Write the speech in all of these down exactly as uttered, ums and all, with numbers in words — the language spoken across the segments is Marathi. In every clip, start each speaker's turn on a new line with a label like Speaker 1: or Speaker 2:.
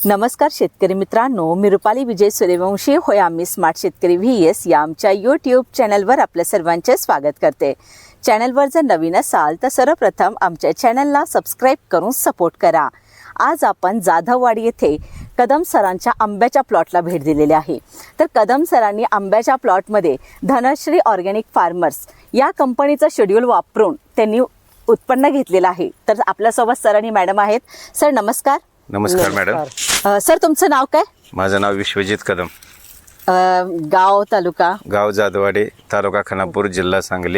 Speaker 1: नमस्कार शेतकरी मित्रांनो, मी रुपाली विजय सूर्यवंशी होय आम्ही स्मार्ट शेतकरी व्ही एस या आमच्या यूट्यूब चॅनलवर आपल्या सर्वांचे स्वागत करते। चॅनलवर जर नवीन असाल तर सर्वप्रथम आमच्या चॅनलला सबस्क्राईब करून सपोर्ट करा। आज आपण जाधववाडी येथे कदम सरांच्या आंब्याच्या प्लॉटला भेट दिलेली आहे। तर कदम सरांनी आंब्याच्या प्लॉटमध्ये धनश्री ऑर्गॅनिक फार्मर्स या कंपनीचं शेड्यूल वापरून त्यांनी उत्पन्न घेतलेलं आहे। तर आपल्यासोबत सर आणि मॅडम आहेत। सर नमस्कार।
Speaker 2: नमस्कार मॅडम।
Speaker 1: अ, सर तुमचं नाव काय?
Speaker 2: माझं नाव विश्वजित कदम।
Speaker 1: अ, गाव तालुका?
Speaker 2: गाव जाधववाडी, तालुका खानापूर, जिल्हा सांगली।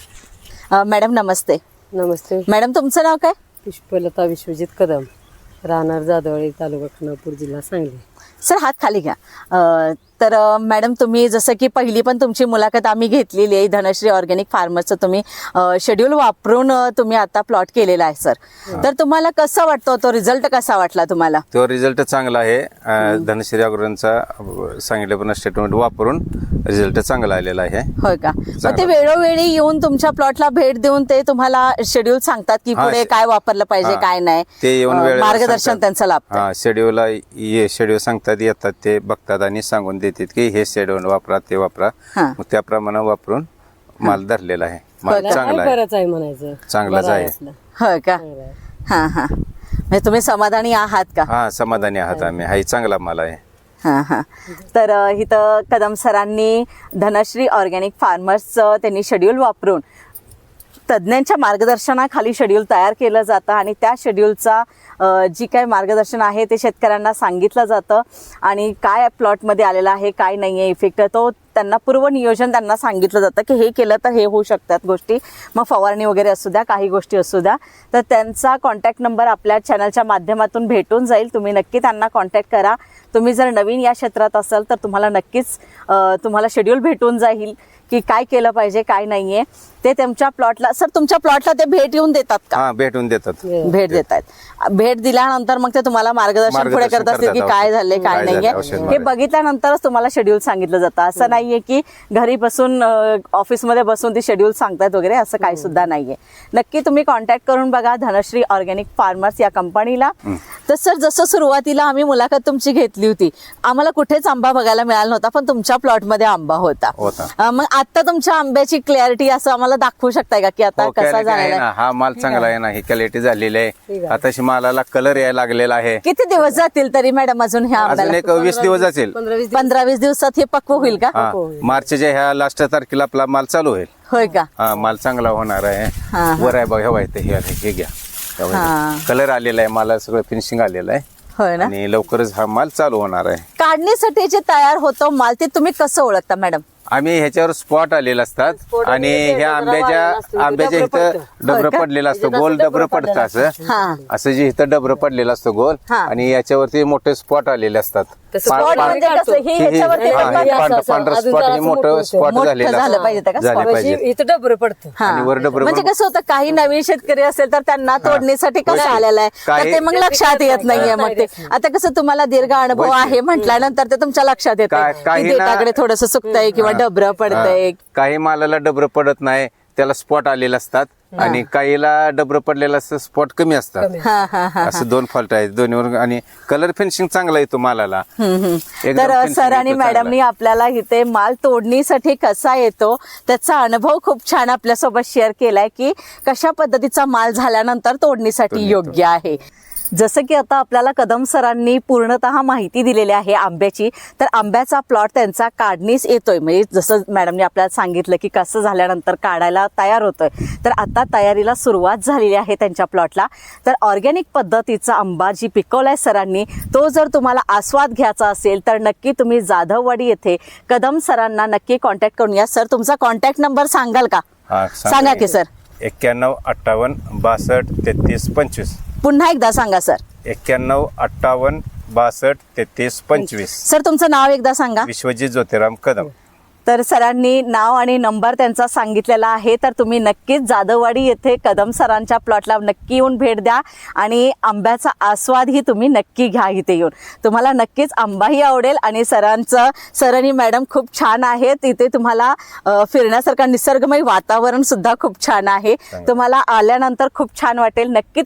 Speaker 1: अ, मॅडम नमस्ते।
Speaker 3: नमस्ते।
Speaker 1: मॅडम तुमचं नाव काय?
Speaker 3: पुष्पलता विश्वजित कदम, राहणार जाधववाडी, तालुका खानापूर, जिल्हा सांगली।
Speaker 1: सर हात खाली घ्या। अ, तर अ, मॅडम तुम्ही जसं की पहिली पण तुमची मुलाखत आम्ही घेतलेली आहे। धनश्री ऑर्गॅनिक फार्मरचं तुम्ही शेड्यूल वापरून अ, तुम्ही आता प्लॉट केलेला आहे सर। तर तुम्हाला कसा वाटतो तो रिझल्ट, कसा वाटला तुम्हाला?
Speaker 2: तो रिझल्ट चांगला आहे। अं, धनश्री ऑर्गॅनिकचा सांगितल्याप्रमाणे स्टेटमेंट वापरून रिझल्ट चांगला आलेला आहे।
Speaker 1: होय का? मग ते वेळोवेळी येऊन तुमच्या प्लॉटला भेट देऊन ते तुम्हाला शेड्यूल सांगतात की
Speaker 2: हा,
Speaker 1: पुढे काय वापरलं पाहिजे,
Speaker 2: हा,
Speaker 1: काय नाही,
Speaker 2: ते येऊन
Speaker 1: अ,
Speaker 2: वेळेवर
Speaker 1: मार्गदर्शन
Speaker 2: सांगतात।
Speaker 1: त्यांचं लाभतं।
Speaker 2: हा, शेड्यूलला ये शेड्यूल सांगतात, येतात, ते बघतात आणि सांगून देतात की हे शेड्यूल वापरा, ते वापरा।
Speaker 1: हा.
Speaker 2: मग त्याप्रमाणे वापरून माल धरलेला आहे। माल
Speaker 1: होय का?
Speaker 2: चांगला आहे,
Speaker 3: बरंच आहे म्हणायचं,
Speaker 2: चांगलाच
Speaker 3: बरं
Speaker 2: आहे।
Speaker 3: असलं.
Speaker 1: होय का?
Speaker 3: चांगलं आहे.
Speaker 1: हा हा म्हणजे तुम्ही समाधानी आहात का?
Speaker 2: हा, समाधानी आहात आम्ही। हा चांगला माल आहे।
Speaker 1: हा हा तर अ, इथं कदम सरांनी धनश्री ऑर्गॅनिक फार्मर्सचं त्यांनी शेड्यूल वापरून तज्ज्ञांच्या मार्गदर्शनाखाली शेड्यूल तयार केलं जातं आणि त्या शेड्यूलचा जी काय मार्गदर्शन आहे ते शेतकऱ्यांना सांगितलं जातं आणि काय प्लॉटमध्ये आलेला आहे, काय नाही आहे इफेक्ट, तो त्यांना पूर्व नियोजन त्यांना सांगितलं जातं की हे केलं तर हे होऊ शकतात गोष्टी। मग फवारणी वगैरे असू द्या, काही गोष्टी असू द्या, तर त्यांचा कॉन्टॅक्ट नंबर आपल्या चॅनलच्या माध्यमातून भेटून जाईल। तुम्ही नक्की त्यांना कॉन्टॅक्ट करा। तुम्ही जर नवीन या क्षेत्रात असाल तर तुम्हाला नक्कीच अ, तुम्हाला शेड्यूल भेटून जाईल की काय केलं पाहिजे, काय नाहीये ते तुमच्या प्लॉटला। सर तुमच्या प्लॉटला ते भेट येऊन देतात का?
Speaker 2: हा, भेटून देतात।
Speaker 1: भेट देतात। भेट दिल्यानंतर मग ते तुम्हाला मार्गदर्शन पुढे
Speaker 2: मार्गदर्शन
Speaker 1: करत असतील की
Speaker 2: करतात,
Speaker 1: काय झाले, काय
Speaker 2: काय झालंय,
Speaker 1: नाहीये
Speaker 2: औषध
Speaker 1: हे
Speaker 2: मारायचं।
Speaker 1: बघितल्यानंतरच तुम्हाला शेड्यूल सांगितलं जातं। असं नाहीये की घरी बसून ऑफिसमध्ये बसून ती शेड्यूल सांगतात वगैरे, असं काही सुद्धा नाहीये। नक्की तुम्ही कॉन्टॅक्ट करून बघा धनश्री ऑर्गॅनिक फार्मर्स या कंपनीला। तर सर जसं सुरुवातीला आम्ही मुलाखत तुमची घेतली होती, आम्हाला कुठेच आंबा बघायला मिळाला नव्हता, पण तुमच्या प्लॉटमध्ये आंबा होता।
Speaker 2: होता।
Speaker 1: अ, मग आता तुमच्या आंब्याची क्लॅरिटी असं आम्हाला दाखवू शकताय का की आता
Speaker 2: हो,
Speaker 1: कसा
Speaker 2: quality आहे
Speaker 1: झालेला आहे?
Speaker 2: ना, हा माल चांगला आहे ना, ही क्वालिटी झालेली आहे। आताशी मालाला कलर यायला लागलेला आहे।
Speaker 1: किती दिवस जातील तरी मॅडम अजून ह्या
Speaker 2: अजून
Speaker 1: आंब्याला?
Speaker 2: एक वीस दिवस जातील।
Speaker 3: पंधरा वीस
Speaker 1: पंधरा वीस दिवसात हे पक्व होईल का?
Speaker 2: हा, मार्चच्या ह्या लास्ट तारखेला आपला माल चालू होईल।
Speaker 1: होय का?
Speaker 2: हा, माल चांगला होणार आहे।
Speaker 1: हा, हा.
Speaker 2: वर आहे बघ, हे वाईट हे आहे, हे घ्या।
Speaker 1: हा.
Speaker 2: कलर आलेला आहे, माला सगळं फिनिशिंग आलेलं आहे
Speaker 1: होय ना?
Speaker 2: आणि लवकरच हा माल चालू होणार आहे।
Speaker 1: काढणीसाठी जे तयार होतो माल ते तुम्ही कसं ओळखता मॅडम?
Speaker 2: आम्ही ह्याच्यावर स्पॉट आलेले असतात
Speaker 3: Spot
Speaker 2: आणि
Speaker 3: म्हणजे
Speaker 2: ह्या
Speaker 3: जरा
Speaker 2: आंब्याच्या
Speaker 3: वाळलेलं असतं,
Speaker 2: आंब्याच्या
Speaker 3: डबरं
Speaker 2: इथं
Speaker 3: पडतं.
Speaker 2: डबर
Speaker 1: होय का?
Speaker 2: पडलेलं असतं,
Speaker 3: इथं
Speaker 2: गोल
Speaker 3: असं
Speaker 2: डबर
Speaker 3: डबरं
Speaker 2: पडतं
Speaker 3: पडलेलं
Speaker 2: असं
Speaker 1: हा.
Speaker 2: असं जे इथं डबर पडलेलं असतं गोल,
Speaker 1: हा.
Speaker 2: आणि याच्यावरती मोठे स्पॉट आलेले असतात।
Speaker 3: तसं
Speaker 2: पा-
Speaker 1: स्पॉट
Speaker 2: पा-
Speaker 1: म्हणजे कसं हे
Speaker 2: हे- हे-
Speaker 1: ह्याच्यावरती
Speaker 2: हा,
Speaker 1: डबल
Speaker 2: हे
Speaker 1: असं-
Speaker 2: पांढरं
Speaker 3: असं-
Speaker 2: पांढरं
Speaker 3: अजून
Speaker 2: स्पॉट, हे
Speaker 3: जरासं
Speaker 2: मोठं
Speaker 3: मोठं
Speaker 2: स्पॉट
Speaker 1: मोठं
Speaker 2: झालेलं
Speaker 1: झालं
Speaker 2: असतं।
Speaker 1: पाहिजे का
Speaker 2: झालं
Speaker 1: spot?
Speaker 2: पाहिजे।
Speaker 3: म्हणजे इथं डबर पडतं।
Speaker 1: हा.
Speaker 2: आणि वर डबरं
Speaker 1: म्हणजे
Speaker 2: बरोबर-
Speaker 1: कसं होतं, काही नवीन शेतकरी असेल तर त्यांना तोडणीसाठी कसं आलेलं आहे तर
Speaker 2: काही-
Speaker 1: ते मग लक्षात येत नाहीये। मग ते आता कसं तुम्हाला दीर्घ अनुभव
Speaker 2: होय की.
Speaker 1: आहे म्हटल्यानंतर ते तुमच्या लक्षात येतं
Speaker 2: काय-
Speaker 1: की
Speaker 2: काही ना-
Speaker 1: देठाकडे थोडस सुकतंय किंवा डबरं पडतंय।
Speaker 2: हा. काही मालाला डबर पडत नाही, त्याला स्पॉट आलेले असतात, आणि काहीला डबर पडलेलं असतं, स्पॉट कमी असतात।
Speaker 1: हा हा हा
Speaker 2: असं दोन फॉल्ट आहेत दोन्हीवर, आणि कलर फिनिशिंग चांगला येतो मालाला। एकदम
Speaker 1: तर
Speaker 2: finishing
Speaker 1: सर आणि
Speaker 2: येतो चांगला.
Speaker 1: मॅडमनी आपल्याला इथे माल तोडणीसाठी कसा येतो त्याचा अनुभव खूप छान आपल्यासोबत शेअर केलाय की कशा पद्धतीचा माल झाल्यानंतर तोडणीसाठी योग्य आहे। जसं की आता आपल्याला कदम सरांनी पूर्णतः माहिती दिलेली आहे आंब्याची, तर आंब्याचा प्लॉट त्यांचा काढणीस येतोय, म्हणजे जसं मॅडमने आपल्याला सांगितलं की कसं झाल्यानंतर काढायला तयार होतोय, तर आता तयारीला सुरुवात झालेली आहे त्यांच्या प्लॉटला। तर ऑर्गॅनिक पद्धतीचा आंबा जी पिकवलाय सरांनी, तो जर तुम्हाला आस्वाद घ्यायचा असेल तर नक्की तुम्ही जाधववाडी येथे कदम सरांना नक्की कॉन्टॅक्ट करून या। सर तुमचा कॉन्टॅक्ट नंबर सांगाल का?
Speaker 2: हा,
Speaker 1: सांगा की सर।
Speaker 2: एक्क्याण्णव अठ्ठावन्न बासष्ट तेहतीस पंचवीस।
Speaker 1: पुन्हा एकदा सांगा सर।
Speaker 2: एक्क्याण्णव अठ्ठावन्न बासष्ट तेहतीस पंचवीस।
Speaker 1: सर तुमचं नाव एकदा सांगा।
Speaker 2: विश्वजित ज्योतिराम कदम।
Speaker 1: तर सरांनी नाव आणि नंबर त्यांचा सांगितलेला आहे, तर तुम्ही नक्कीच जाधववाडी येथे कदम सरांच्या प्लॉटला नक्की येऊन भेट द्या आणि आंब्याचा आस्वादही तुम्ही नक्की घ्या इथे येऊन। तुम्हाला नक्कीच आंबाही आवडेल आणि सरांचं सर आणि मॅडम खूप छान आहेत। इथे तुम्हाला अ, फिरण्यासारखं निसर्गमय वातावरण सुद्धा खूप छान आहे, तुम्हाला आल्यानंतर खूप छान वाटेल। नक्की तुम्ही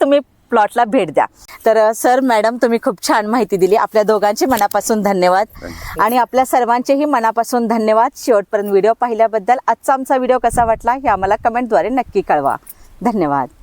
Speaker 1: प्लॉटला भेट द्या. तर अ, सर मॅडम तुम्ही खूप छान माहिती दिली. आपल्या दोघांचे मनापासून धन्यवाद आणि आपल्या सर्वांचेही मनापासून धन्यवाद. शेवटपर्यंत व्हिडिओ पाहिल्याबद्दल. आजचा आमचा व्हिडिओ कसा वाटला हे आम्हाला कमेंटद्वारे नक्की कळवा. धन्यवाद.